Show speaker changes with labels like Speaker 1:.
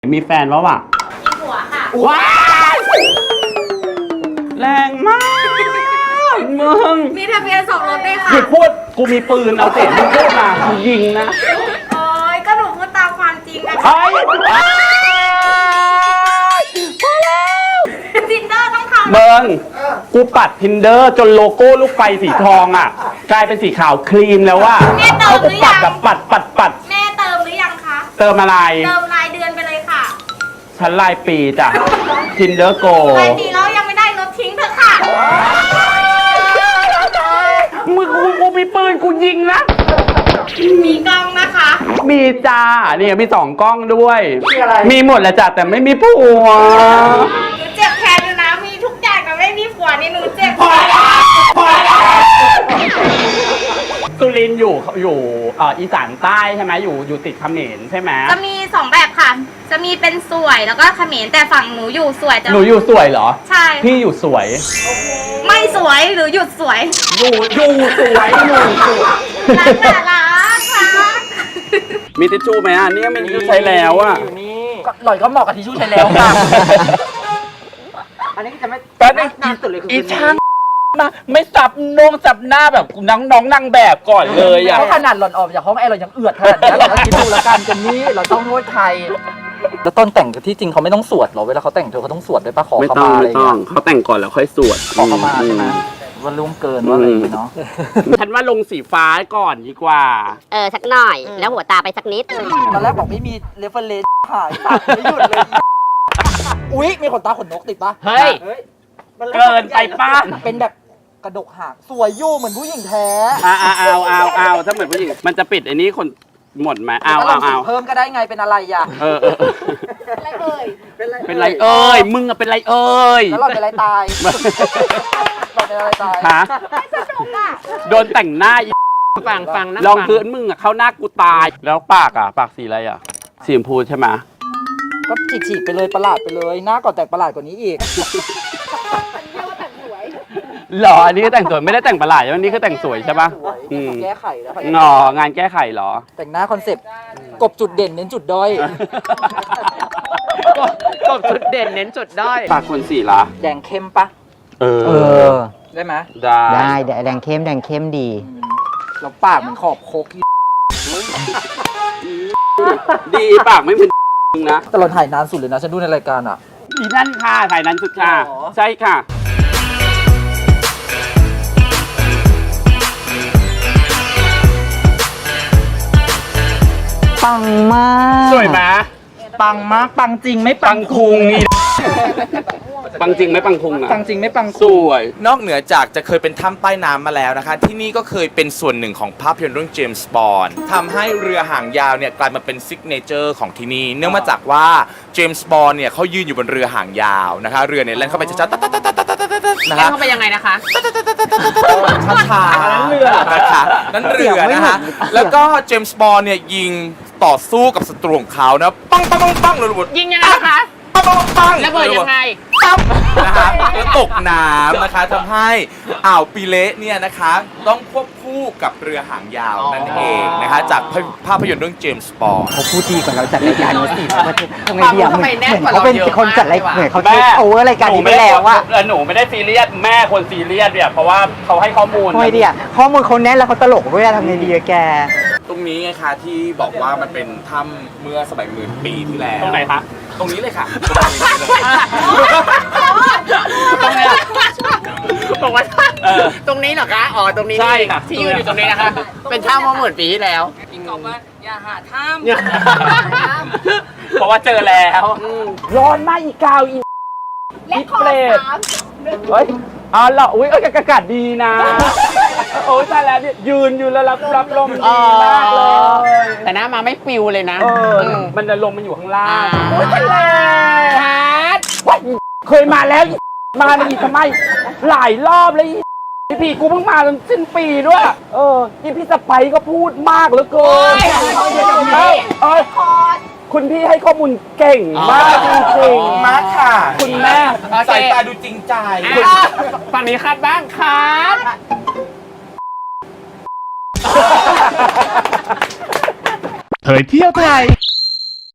Speaker 1: มีแฟนแล้วอ่ะ
Speaker 2: มีผัวค่ะ
Speaker 1: ว้ายแรงมากมึง
Speaker 2: มีทะเบียนสมรสด้วยค่ะ
Speaker 1: หยุดพูดกูมีปืนเอาเสียงมึงพูดมากูยิงนะ
Speaker 2: โอ้ยก็หนูพูดตามความจริงนะคะ
Speaker 1: เฮ้ยพอแล้ว
Speaker 2: ทินเดอร์ต้องทำ
Speaker 1: เบิงกูปัด Tinder จนโลโก้ลูกไฟสีทองอ่ะกลายเป็นสีขาวครีมแล้วว่าเขากูปัดแบบปัด
Speaker 2: แม่เติมหรือยังคะ
Speaker 1: เติมอะไร
Speaker 2: เติมรายเดือนไปเลยค่ะ
Speaker 1: ฉันรายปีจ้ะ Tinder Go
Speaker 2: รายปีแล้วยังไม่ได้ลดทิ้งเถอะค่ะ
Speaker 1: มึงกูมีปืนกูยิงนะ
Speaker 2: มีกล้องนะคะ
Speaker 1: มีจ้าเนี่ยมี2 กล้องด้วย มีหมดแหละจ้ะแต่ไม่มีผัว
Speaker 2: หนูเจ็บแทนอยู่นะมีทุกอย่างแต่ไม่มีผัวนี่หนูเจ็บ
Speaker 1: สุรินทร์อยู่อีสานใต้ใช่ไหมอยู่ติดเขมรใช่ไหม
Speaker 2: จะมี2แบบค่ะจะมีเป็นสวยแล้วก็เขมรแต่ฝั่งหนูอยู่สวยจะ
Speaker 1: หนูอยู่สวยเหรอ
Speaker 2: ใช่
Speaker 1: พี่อยู่สวย
Speaker 2: ไม่สวยหรือหยุดสวย
Speaker 1: อยู่สวยอยู่สวย
Speaker 2: รักแต่รักค่ะ
Speaker 1: มีทิชชู่ไหมอ่ะเนี่ยมีทิชชู่ใช้แล้วอ่ะ
Speaker 3: อยู่นี่หล่อยก็เหมาะกับทิชชู่ใช้แล้วค่ะ อันนี้จะไม่
Speaker 1: แป๊บนึง
Speaker 3: นานสุดเลยคือ
Speaker 1: อีช่างมาไม่จับจับหน้าแบบน้องนางแบบก่อนเลยอ่ะ
Speaker 3: เพราะขนาดหล่อนออกจากห้องแอร์เรายังเอือดขนาดนี้เราก็คิดดูแล้วกันกันนี้เราต้องนวดไทยแล้วตอนแต่งที่จริงเขาไม่ต้องสวดหรอเวลาเขาแต่งเธอเขาต้องสวดด้วยปะขอ
Speaker 1: ไม่
Speaker 3: ข
Speaker 1: ต้อง
Speaker 3: มาอะไร
Speaker 1: ไม่ต้องเขาแต่งก่อนแล้วค่อยสวด
Speaker 3: ขอขมาใช่ไหมว่าล่วงเกินว่าอะไรอย่างเงี้ยเนาะ
Speaker 1: ฉันว่าลงสีฟ้าก่อนดีกว่า
Speaker 4: สักหน่อย แล้วหัวตาไปสักนิด
Speaker 3: ตอนแรกบอกไม่มีเรฟเฟอร์เรนซ์หายตัดไม่หยุดเลยอุ๊ยมีขนตาขนนกติดปะ
Speaker 1: เฮ้ย เกินไปป้า
Speaker 3: เป็นแบบกระดกหางสวยยู่เหมือนผู้หญิงแท้
Speaker 1: เอาถ้าเหมือนผู้หญิงมันจะปิดไอ้นี้คนหมดไหมเอา
Speaker 3: เพิ่มก็ได้ไงเป็นอะไรอ่ะ
Speaker 2: อะไรเอ่ย
Speaker 1: เป็นไรเอ้ยมึงอะเป็นไรเอ้ย
Speaker 3: แล้วเราเป็นอะไรตายเราเป็นอะไรตาย
Speaker 1: ฮะ
Speaker 2: สนุกอ่ะ
Speaker 1: โดนแต่งหน้าอีฟังนะลองพื้นมึงอะเข้าหน้ากูตายแล้วปากสีอะไรอ่ะสีชมพูใช่ไหม
Speaker 3: ก็ฉีกๆไปเลยประหลาดไปเลยหน้าก่อนแต่งประหลาดกว่านี้อีก
Speaker 1: หรออันนี้ก็แต่งสวยไม่ได้แต่งประหลาดอันนี้คือแต่งสวยใช่ปะ
Speaker 3: แก้ไขแล้ว
Speaker 1: งองานแก้ไขเหรอ
Speaker 3: แต่งหน้าคอนเซ็ปต์กบจุดเด่นเน้นจุดด้อย
Speaker 5: กบจุดเด่นเน้นจุดด้อย
Speaker 1: ปากคนสีละ
Speaker 3: แดงเข้มปะ ได้ไหม
Speaker 1: ได้
Speaker 5: แดงเข้มดี
Speaker 3: แล้วปากมันขอบโคก
Speaker 1: ดีปากไม่เป็นมึงนะ
Speaker 3: แต่เราถ่ายนานสุดเลยนะฉันดูในรายการอ่ะ
Speaker 1: อีนั่นค่ะถ่ายนั้นสุดค่ะ
Speaker 3: หรอ
Speaker 1: ใช่ค่ะ
Speaker 5: ปังมาก
Speaker 1: สวยไหม
Speaker 3: ปังมากปังจริงไม่
Speaker 1: ปังคุงนี่ปังจริงไหมปังคุงอะ
Speaker 3: ปังจริงไม่ปัง
Speaker 1: สวย
Speaker 6: นอกเหนือจากจะเคยเป็นถ้ำใต้น้ำมาแล้วนะคะ ที่นี่ก็เคยเป็นส่วนหนึ่งของภาพยนตร์เรื่องเจมส์บอนด์ทำให้เรือหางยาวเนี่ยกลายมาเป็นซิกเนเจอร์ของที่นี่เนื่องมาจากว่าเจมส์บอนด์เนี่ยเขายืนอยู่บนเรือหางยาวนะคะเรือเนี่ยแล่นเข้าไปช้าๆนะ
Speaker 5: แล้
Speaker 6: คะ
Speaker 5: วเข้าไปยังไงนะคะ
Speaker 6: ช้าๆ
Speaker 1: นั่นเรือ
Speaker 6: นะคะนั่นเรือนะคะแล้วก็เจมส์บอนด์เนี่ยยิงต่อสู้กับศัตรูของเขานะปังปังปังปังเลยระเบิด
Speaker 5: ยิงยังไงนะคะ
Speaker 6: ปังปังปัง
Speaker 5: ระเบิดยังไง
Speaker 6: นะคะแล้วตกน้ำนะคะทำให้อ่าวปีเละเนี่ยนะคะต้องควบคู่กับเรือหางยาวนั่นเองนะคะจากภาพยนตร์เรื่องเจมส์บอนด์
Speaker 5: เขาพูดดีกว่าเราจัดรายการนี้สิทำไงดีอะทำไมแน่นกว่าเขาเป็นเราเยอะคนจัดรายมากเหมือนเขา
Speaker 1: แม่
Speaker 5: เทคโอเวอร์รายการนี้ไปแล้วอะ
Speaker 1: หนูไม่ได้ซีเรียสแม่คนซีเรียสเนี่ยเพราะว่าเขาให้ข้อมูล
Speaker 5: ทำไงดีอะข้อมูลเขาแน่นแล้วเขาตลกด้วยอะทำไงดีอะแก
Speaker 6: ตรงนี้ไงคะที่บอกว่ามันเป็นถ้ำเมื่อสมัยหมื่นปีที่แล้ว
Speaker 1: ตรงไหนคะ
Speaker 6: ตรงนี้เลยค่ะ
Speaker 1: ตรงไหนอะ
Speaker 5: บอกว่าตรงนี้เหรอคะ อ๋อ ตรงนี้
Speaker 1: ใช่ค่ะ
Speaker 5: ที่ยืนอยู่ตรงนี้นะคะ เป็นท่ามาหมื่นปีที่แล้ว
Speaker 1: เพราะว่าเจอแล้ว
Speaker 3: ร้อนมากอีกาวอี
Speaker 2: และขอ3
Speaker 1: เฮ้ยอ๋อเหรออุ้ยอากาศดีนะโอ้ยใช่แล้วเนี่ยยืนอยู่แล้วรับลมดีมากเลย
Speaker 5: แต่หน้ามาไม่ปิวเลยนะ
Speaker 1: มันจะลมมันอยู่ข้างล่าง
Speaker 5: โอ้ยทะเล
Speaker 1: ฮาร์ดเคยมาแล้วมาอีกทำไมหลายรอบเลยพี่กูเพิ่งมาจนสิ้นปีด้วยพี่สไปก็พูดมากเหลือเกินคุณพี่ให้ข้อมูลเก่งมากจริงๆ
Speaker 6: มากค่ะ
Speaker 1: คุณแม่
Speaker 6: สายตาดูจริงใจ
Speaker 5: ฝั่งนี้คัดบ้างคัด
Speaker 7: เผยเที่ยวไทย